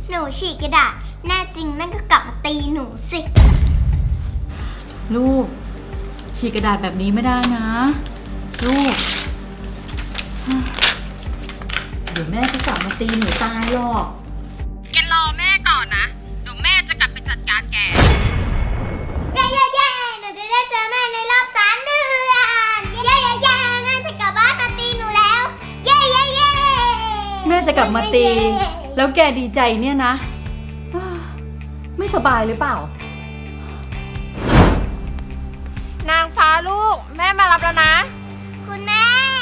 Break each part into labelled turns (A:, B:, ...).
A: หนูฉีกกระดาษแน่จริงแม่ก็กลับมาตีหนูสิ
B: ลูกฉีกกระดาษแบบนี้ไม่ได้นะลูกเดี๋ยวแม่จะกลับมาตีหนูตายหรอก
C: แกรอแม่ก่อนนะเดี๋ยวแม่จะกลับไปจัดการแก
A: เย้หนูจะได้เจอแม่ในรอบ3 เดือนเย้แม่จะกลับบ้านมาตีหนูแล้วเย้
B: แม่จะกลับมาตีแล้วแกดีใจเนี่ยนะไม่สบายหรือเปล่าน
C: างฟ้าลูกแม่มารับแล้วนะ
A: คุณแม่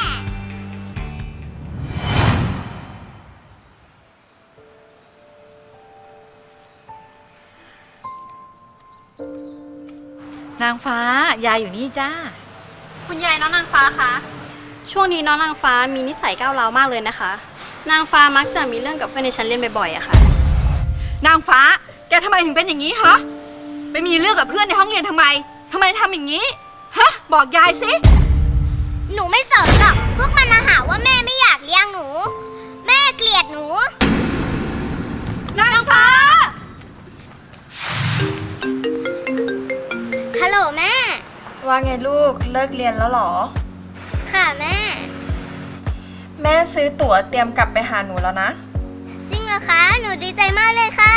B: นางฟ้ายายอยู่นี่จ้า
D: คุณยายน้องนางฟ้าคะช่วงนี้น้องนางฟ้ามีนิสัยก้าวร้าวมากเลยนะคะนางฟ้ามักจะมีเรื่องกับเพื่อนในชั้นเรียนบ่อยๆอะค่ะ
B: นางฟ้าแกทำไมถึงเป็นอย่างนี้ฮะไปมีเรื่องกับเพื่อนในห้องเรียนทำไมทำอย่างนี้ฮะบอกยายสิ
A: หนูไม่สนหรอกพวกมันมาหาว่าแม่ไม่อยากเลี้ยงหนูแม่เกลียดหนู
B: นางฟ้า
A: ฮัลโหลแม่
C: ว่าไงลูกเลิกเรียนแล้วหรอ
A: ค่ะแม่
C: แม่ซื้อตั๋วเตรียมกลับไปหาหนูแล้วนะ
A: จริงเหรอคะหนูดีใจมากเลยค่ะ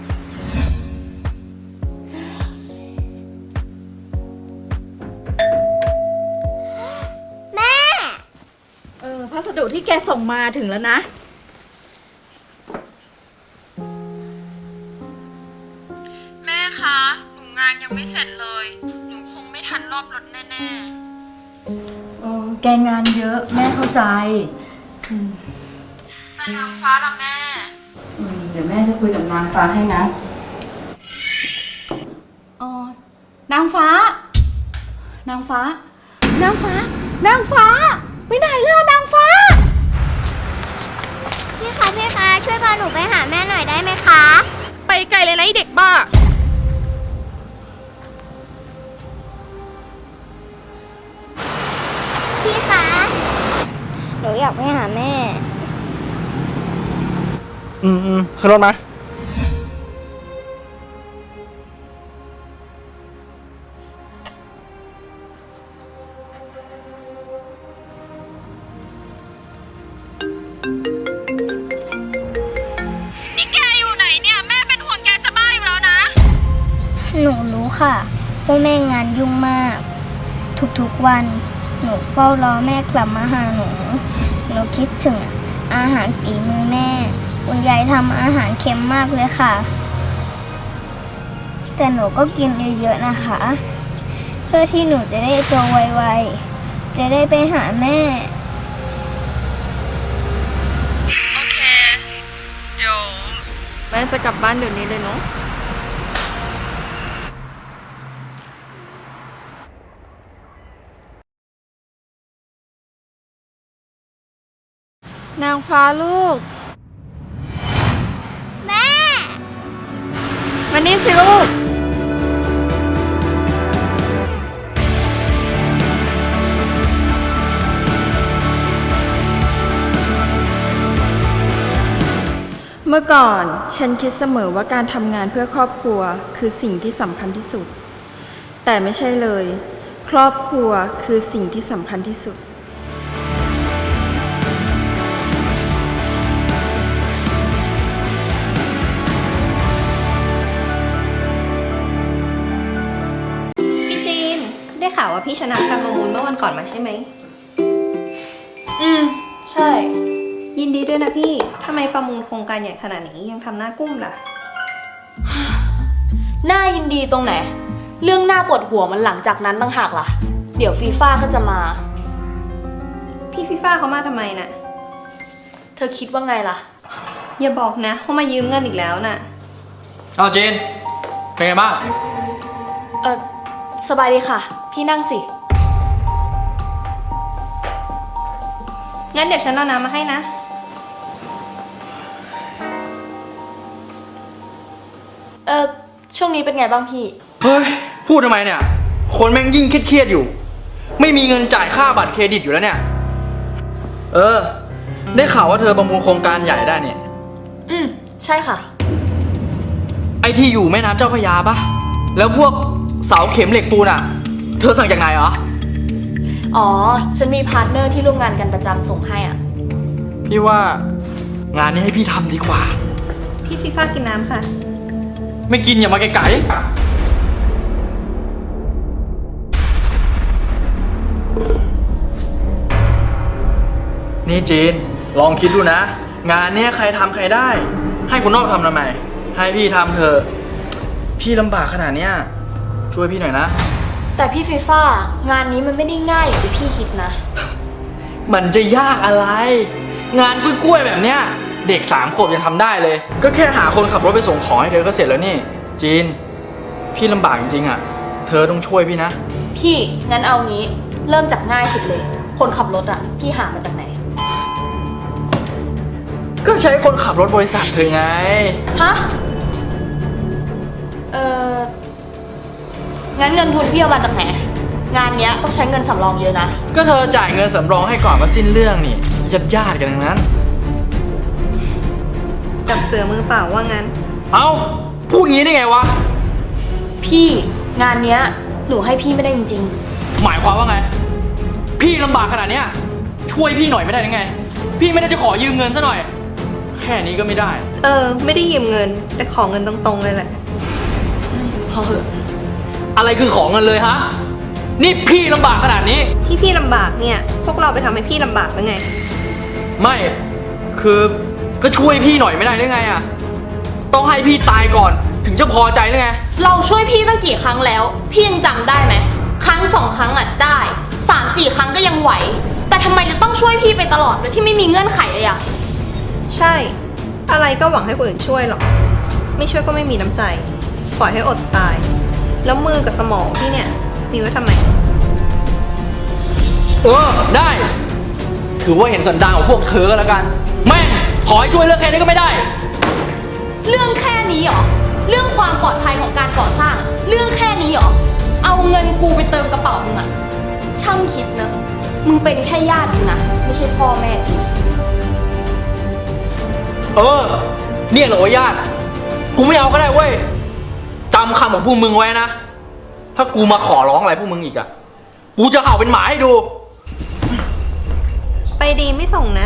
A: แม่
B: พัสดุที่แกส่งมาถึงแล้วนะ
C: แม่คะหนูงานยังไม่เสร็จเลยหนูคงไม่ทันรอบรถแน่
B: แกงานเยอะแม่เข้าใจ
C: แต่นางฟ้าล่ะแม่
B: เดี๋ยวแม่จะคุยกับนางฟ้าให้นะนางฟ้านางฟ้าไปไหนล่ะนางฟ้า
A: พี่คะช่วยพาหนูไปหาแม่หน่อยได้ไหมคะ
C: ไปไกลเลยนะไอเด็กบ้า
A: พี่คะหนูอยากไปหาแม่
E: ขึ้นรถมา
C: นี่แกอยู่ไหนเนี่ยแม่เป็นห่วงแกจะบ้าอยู่แล้วนะ
A: หนูรู้ค่ะว่าแม่งานยุ่งมากทุกๆวันหนูเฝ้ารอแม่กลับมาหาหนูคิดถึงอาหารฝีมือแม่คุณยายทำอาหารเค็มมากเลยค่ะแต่หนูก็กินเยอะๆนะคะเพื่อที่หนูจะได้โตไวๆจะได้ไปหาแม่
C: โอเคเดี๋ยวแม่จะกลับบ้านเดี๋ยวนี้เลยเนาะนางฟ้าลูก
A: แม่
C: มานี่สิลูกเมื่อก่อนฉันคิดเสมอว่าการทำงานเพื่อครอบครัวคือสิ่งที่สำคัญที่สุดแต่ไม่ใช่เลยครอบครัวคือสิ่งที่สำคัญที่สุด
D: ได้ข่าวว่าพี่ชนะการประมูลเมื่อวันก่อนมาใช่ไหม
C: ใช่
D: ยินดีด้วยนะพี่ทำไมประมูลโครงการใหญ่ขนาดนี้ยังทำหน้ากุ้มล่ะ
F: น่ายินดีตรงไหนเรื่องหน้าปวดหัวมันหลังจากนั้นต่างหากล่ะเดี๋ยวฟีฟ่าก็จะมา
D: พี่ฟีฟ่าเขามาทำไมน่ะ
F: เธอคิดว่าไงล่ะ
D: อย่าบอกนะเขามายืมเงินอีกแล้วน่ะ
E: เอาเจนเป็นไงบ้าง
F: สบายดีค่ะพี่นั่งสิ
D: งั้นเดี๋ยวฉันเอาน้ำมาให้นะ
F: ช่วงนี้เป็นไงบ้างพี่
E: เฮ้ยพูดทำไมเนี่ยคนแม่งยิ่งเครียดอยู่ไม่มีเงินจ่ายค่าบัตรเครดิตอยู่แล้วเนี่ยได้ข่าวว่าเธอประมูลโครงการใหญ่ได้เนี่ย
F: ใช่ค่ะ
E: ไอที่อยู่แม่น้ำเจ้าพระยาปะแล้วพวกเสาเข็มเหล็กปูนอะเธอสั่งจากไหนเหรอ
F: อ๋อ ฉันมีพาร์ทเนอร์ที่ร่วมงานกันประจำส่งให้อ่ะ
E: พี่ว่างานนี้ให้พี่ทำดีกว่า
B: พี่ฟีฟ่ากินน้ำค่ะ
E: ไม่กินอย่ามาไกลๆนี่จีนลองคิดดูนะ งานเนี้ยใครทำใครได้ ให้คนนอกทำไมให้พี่ทำเถอะพี่ลำบากขนาดเนี้ยช่วยพี่หน่อยนะ
F: แต่พี่ฟีฟ่างานนี้มันไม่ได้ง่ายอย่างที่พี่คิดนะ
E: มันจะยากอะไร งานกล้วยๆแบบเนี้ยเด็ก3 ขวบยังทำได้เลย ก็แค่หาคนขับรถไปส่งของให้เธอก็เสร็จแล้วนี่จีนพี่ลำบากจริงๆอ่ะเธอต้องช่วยพี่นะ
F: พี่งั้นเอางี้เริ่มจากง่ายสุดเลย คนขับรถอ่ะ พี่หามาจากไหน
E: ก็ใช้คนขับรถบริษัทเธอไง
F: ฮะ งั้นเงินทุนพี่เอามาจากไหน งานเนี้ยต้องใช้เงินสำรองเยอะนะ
E: ก็เธอจ่ายเงินสำรองให้ก่อนมาสิ้นเรื่องนี่ญาติๆกันทั้งนั้น
B: จับเสือมือเปล่าว่างั้น
E: เอ้าพูดงี้ได้ไงวะ
F: พี่งานเนี้ยหนูให้พี่ไม่ได้จริง
E: หมายความว่าไง พี่ลำบากขนาดเนี้ยช่วยพี่หน่อยไม่ได้ยังไง พี่ไม่ได้จะขอยืมเงินซะหน่อย แค่นี้ก็ไม่ได้
B: ไม่ได้ยืมเงิน แต่ขอเงินตรงๆเลยแหละ
F: ๆพอเหอะ
E: อะไรคือของเงินเลยฮะนี่พี่ลำบากขนาดนี้
B: ที่พี่ลำบากเนี่ย พวกเราไปทำให้พี่ลำบากแล้วไง
E: ไม่คือก็ช่วยพี่หน่อยไม่ได้หรือไงอะต้องให้พี่ตายก่อนถึงจะพอใจหรือไง
F: เราช่วยพี่ตั้งกี่ครั้งแล้ว พี่ยังจำได้ไหมครั้ง2 ครั้งอ่ะได้3-4 ครั้งก็ยังไหว แต่ทำไมจะต้องช่วยพี่ไปตลอดโดยที่ไม่มีเงื่อนไขเลยอ่ะ
B: ใช่ อะไรก็หวังให้คนอื่นช่วยหรอก ไม่ช่วยก็ไม่มีน้ำใจ ปล่อยให้อดตาย แล้วมือกับสมองพี่เนี่ย มีไว้ทำไม
E: ได้ ถือว่าเห็นสันดานของพวกเธอก็แล้วกันแม่งขอให้ช่วยเรื่องแค่นี้ก็ไม่ได้
F: เรื่องแค่นี้เหรอ เรื่องความปลอดภัยของการก่อสร้าง เรื่องแค่นี้เหรอ เอาเงินกูไปเติมกระเป๋ามึงอะช่างคิดนะ มึงเป็นแค่ญาติมึงนะ ไม่ใช่พ่อแม่กู
E: เนี่ยเหรอวะญาติกูไม่เอาก็ได้เว้ยจำคำของพวกมึงไว้นะ ถ้ากูมาขอร้องอะไรพวกมึงอีกอะกูจะเห่าเป็นหมาให้ดู
B: ไปดีไม่ส่งนะ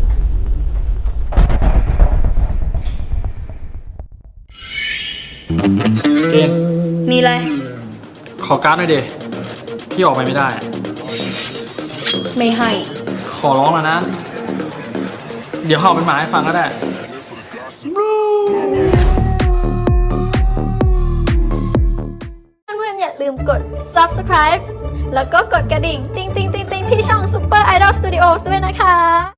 E: เจน
F: มีอะไร
E: ขอการ์ดหน่อยดิพี่ออกไปไม่ได้
F: ไม่ให้
E: ขอร้องแล้วนะ เดี๋ยวเห่าเป็นหมาให้ฟังก็ได้
G: เพื่อนๆอย่าลืมกด subscribe แล้วก็กดกระดิ่ง ติ๊งๆๆๆที่ช่อง Super Idol Studios ด้วยนะคะ